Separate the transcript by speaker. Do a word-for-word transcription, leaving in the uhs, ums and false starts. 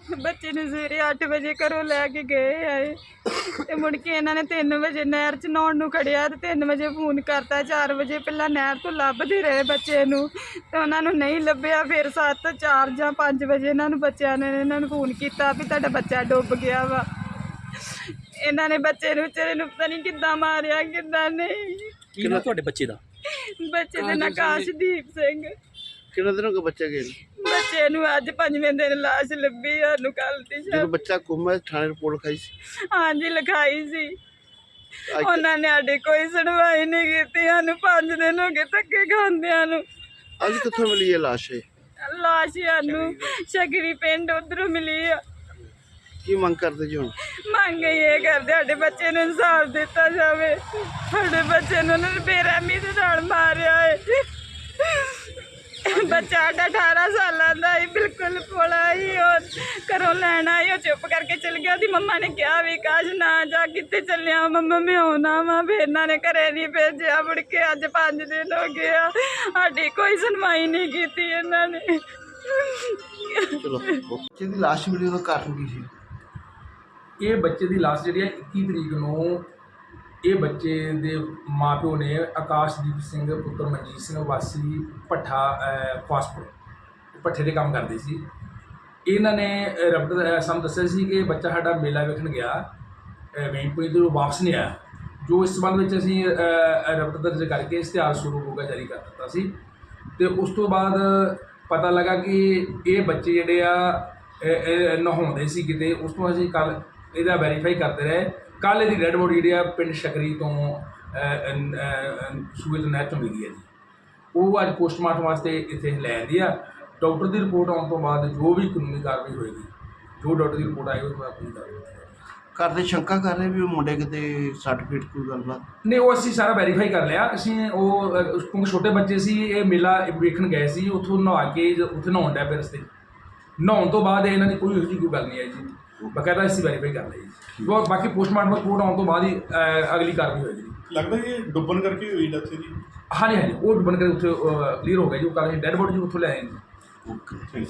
Speaker 1: ਬੱਚੇ ਨੂੰ ਸਵੇਰੇ ਅੱਠ ਵਜੇ ਘਰੋਂ ਲੈ ਕੇ ਗਏ ਆਏ ਤੇ ਮੁੜ ਕੇ ਇਹਨਾਂ ਨੇ ਤਿੰਨ ਵਜੇ ਨਹਿਰ 'ਚ ਨਹਾਉਣ ਨੂੰ ਖੜਿਆ ਤੇ ਤਿੰਨ ਵਜੇ ਫੋਨ ਕਰਤਾ। ਚਾਰ ਵਜੇ ਪਹਿਲਾਂ ਨਹਿਰ ਤੋਂ ਲੱਭਦੇ ਰਹੇ ਬੱਚੇ ਨੂੰ ਤੇ ਉਹਨਾਂ ਨੂੰ ਨਹੀਂ ਲੱਭਿਆ। ਫਿਰ ਸੱਤ ਚਾਰ ਜਾਂ ਪੰਜ ਵਜੇ ਇਹਨਾਂ ਨੂੰ ਬੱਚਿਆਂ ਨੇ ਇਹਨਾਂ ਨੂੰ ਫੋਨ ਕੀਤਾ ਵੀ ਤੁਹਾਡਾ ਬੱਚਾ ਡੁੱਬ ਗਿਆ ਵਾ। ਇਹਨਾਂ ਨੇ ਬੱਚੇ ਨੂੰ ਵਿਚਾਰੇ ਨੂੰ ਪਤਾ ਨਹੀਂ ਕਿੱਦਾਂ ਮਾਰਿਆ ਕਿੱਦਾਂ ਨਹੀਂ।
Speaker 2: ਕੀ ਨਾਮ ਤੁਹਾਡੇ ਬੱਚੇ ਦਾ?
Speaker 1: ਬੱਚੇ ਦਾ ਨਾਂ ਆਕਾਸ਼ਦੀਪ ਸਿੰਘ।
Speaker 3: ਕਿੰਨੇ ਦਿਨ ਹੋ ਗਏ ਬੱਚੇ ਗਏ ਨੂੰ?
Speaker 1: ਬੱਚੇ ਨੂੰ ਅੱਜ ਪੰਜਵੇਂ ਦਿਨ ਲਾਸ਼ ਲੱਭੀ ਸਾਨੂੰ ਕੱਲ ਦੀ
Speaker 3: ਜਦੋਂ ਬੱਚਾ ਗੁੰਮ ਹੈ ਥਾਣੇ ਰਿਪੋਰਟ ਲਿਖਾਈ ਸੀ?
Speaker 1: ਹਾਂਜੀ ਲਿਖਾਈ ਸੀ। ਉਹਨਾਂ ਨੇ ਸਾਡੀ ਕੋਈ ਸੁਣਵਾਈ ਨਹੀਂ ਕੀਤੀ। ਸਾਨੂੰ ਪੰਜ ਦਿਨ ਹੋ ਗਏ ਧੱਕੇ ਖਾਂਦਿਆਂ ਨੂੰ।
Speaker 3: ਅੱਜ ਕਿੱਥੋਂ ਮਿਲੀ ਹੈ ਲਾਸ਼? ਇਹ
Speaker 1: ਲਾਸ਼ ਸਾਨੂੰ ਸ਼ਗਰੀ ਪਿੰਡ ਉਧਰੋਂ ਮਿਲੀ ਆ।
Speaker 3: ਕੀ ਮੰਗ ਕਰਦੇ ਜੀ ਹੁਣ?
Speaker 1: ਮੰਗ ਇਹ ਕਰਦੇ ਸਾਡੇ ਬੱਚੇ ਨੂੰ ਇਨਸਾਫ ਦਿੱਤਾ ਜਾਵੇ। ਸਾਡੇ ਬੱਚੇ ਨੂੰ ਉਹਨਾਂ ਨੇ ਬੇਰਹਿਮੀ ਦੇ ਨਾਲ ਮਾਰਿਆ ਹੈ। ਬੱਚਾ ਸਾਡਾ ਅਠਾਰਾਂ ਸਾਲਾਂ ਦਾ ਹੀ ਬਿਲਕੁਲ ਭੋਲਾ ਹੀ। ਉਹ ਘਰੋਂ ਲੈਣ ਆਈ, ਉਹ ਚੁੱਪ ਕਰਕੇ ਚਲ ਗਿਆ। ਉਹਦੀ ਮੰਮਾ ਨੇ ਕਿਹਾ ਵੀ ਕਾਸ਼ ਨਾ ਜਾ, ਕਿੱਥੇ ਚੱਲਿਆ ਮੰਮਾ, ਮੈਂ ਆਉਣਾ ਵਾ। ਫਿਰ ਇਹਨਾਂ ਨੇ ਘਰੇ ਨਹੀਂ ਭੇਜਿਆ। ਮੁੜ ਕੇ ਅੱਜ ਪੰਜ ਦਿਨ ਹੋ ਗਏ ਆ, ਸਾਡੀ ਕੋਈ ਸੁਣਵਾਈ ਨਹੀਂ ਕੀਤੀ ਇਹਨਾਂ ਨੇ।
Speaker 3: ਚਲੋ ਬੱਚੇ ਦੀ ਲਾਸ਼ ਮਿਲੀ ਉਹਦਾ ਕਾਰਨ ਕੀ ਸੀ?
Speaker 4: ਇਹ ਬੱਚੇ ਦੀ ਲਾਸ਼ ਜਿਹੜੀ ਹੈ ਇੱਕੀ ਤਰੀਕ ਨੂੰ ਇਹ ਬੱਚੇ ਦੇ ਮਾਪਿਓ ਨੇ ਆਕਾਸ਼ਦੀਪ ਸਿੰਘ ਪੁੱਤਰ ਮਨਜੀਤ ਸਿੰਘ ਵਾਸੀ ਭੱਠਾ ਫਾਸਟਫੂਡ ਭੱਠੇ ਦੇ ਕੰਮ ਕਰਦੇ ਸੀ। ਇਹਨਾਂ ਨੇ ਰਬਟ ਸਾਨੂੰ ਦੱਸਿਆ ਸੀ ਕਿ ਬੱਚਾ ਸਾਡਾ ਮੇਲਾ ਵੇਖਣ ਗਿਆ ਵੇਂਪੁਰੀ ਤੋਂ ਵਾਪਸ ਨਹੀਂ ਆਇਆ। ਜੋ ਇਸ ਸੰਬੰਧ ਵਿੱਚ ਅਸੀਂ ਰਬਟ ਦਰਜ ਕਰਕੇ ਇਸ਼ਤਿਹਾਰ ਸ਼ੁਰੂ ਹੋਗਾ ਜਾਰੀ ਕਰ ਦਿੱਤਾ ਸੀ। ਅਤੇ ਉਸ ਤੋਂ ਬਾਅਦ ਪਤਾ ਲੱਗਾ ਕਿ ਇਹ ਬੱਚੇ ਜਿਹੜੇ ਆ ਨਹਾਉਂਦੇ ਸੀ ਕਿਤੇ। ਉਸ ਤੋਂ ਅਸੀਂ ਕੱਲ੍ਹ ਇਹਦਾ ਵੈਰੀਫਾਈ ਕਰਦੇ ਰਹੇ। ਕੱਲ੍ਹ ਇਹਦੀ ਡੈਡ ਬੋਡੀ ਜਿਹੜੀ ਆ ਪਿੰਡ ਸ਼ਕਰੀ ਤੋਂ ਸੂਏ ਤੋਂ ਨਹਿਰ ਤੋਂ ਮਿਲੀ ਹੈ ਜੀ। ਉਹ ਅੱਜ ਪੋਸਟਮਾਰਟਮ ਵਾਸਤੇ ਇੱਥੇ ਲੈ ਆਂਦੀ ਆ। ਡਾਕਟਰ ਦੀ ਰਿਪੋਰਟ ਆਉਣ ਤੋਂ ਬਾਅਦ ਜੋ ਵੀ ਕਾਨੂੰਨੀ ਕਾਰਵਾਈ ਹੋਏਗੀ, ਜੋ ਡਾਕਟਰ ਦੀ ਰਿਪੋਰਟ ਆਏਗੀ ਉਹ ਆਪਣੀ ਕਾਰਵਾਈ
Speaker 3: ਘਰ ਦੇ ਸ਼ੰਕਾ ਕਰ ਰਹੇ ਵੀ ਉਹ ਮੁੰਡੇ ਕਿਤੇ ਸਰਟੀਫਿਕੇਟ ਕੋਈ ਗੱਲਬਾਤ?
Speaker 4: ਨਹੀਂ, ਉਹ ਅਸੀਂ ਸਾਰਾ ਵੈਰੀਫਾਈ ਕਰ ਲਿਆ। ਅਸੀਂ ਉਹ ਕਿਉਂਕਿ ਛੋਟੇ ਬੱਚੇ ਸੀ, ਇਹ ਮੇਲਾ ਵੇਖਣ ਗਏ ਸੀ। ਉੱਥੋਂ ਨਹਾ ਕੇ ਉੱਥੇ ਨਹਾਉਣ ਡਿਆ ਪਏ ਰਸਤੇ। ਨਹਾਉਣ ਤੋਂ ਬਾਅਦ ਇਹਨਾਂ ਦੀ ਕੋਈ ਇਹੋ ਜਿਹੀ ਕੋਈ ਗੱਲ ਨਹੀਂ ਆਈ ਜੀ। ਬਕਾਇਦਾ ਅਸੀਂ ਵੈਰੀਫਾਈ ਕਰ ਲਈ ਜੀ। ਬਾਕੀ ਪੋਸਟਮਾਰਟਮ ਰਿਪੋਰਟ ਆਉਣ ਤੋਂ ਬਾਅਦ ਹੀ ਅਗਲੀ ਕਾਰਵਾਈ ਹੋਏਗੀ।
Speaker 5: ਲੱਗਦਾ ਕਿ ਇਹ ਡੁੱਬਣ ਕਰਕੇ ਹੋਈ ਡੈਥ ਦੀ?
Speaker 4: ਹਾਂਜੀ ਹਾਂਜੀ, ਉਹ ਡੁੱਬਣ ਕਰਕੇ ਉੱਥੇ ਕਲੀਅਰ ਹੋ ਗਿਆ ਜੀ। ਉਹ ਕੱਲ੍ਹ ਡੈਡ ਬੋਡੀ ਜੀ ਉੱਥੋਂ ਲੈ ਆਏ ਜੀ।
Speaker 3: ਓਕੇ।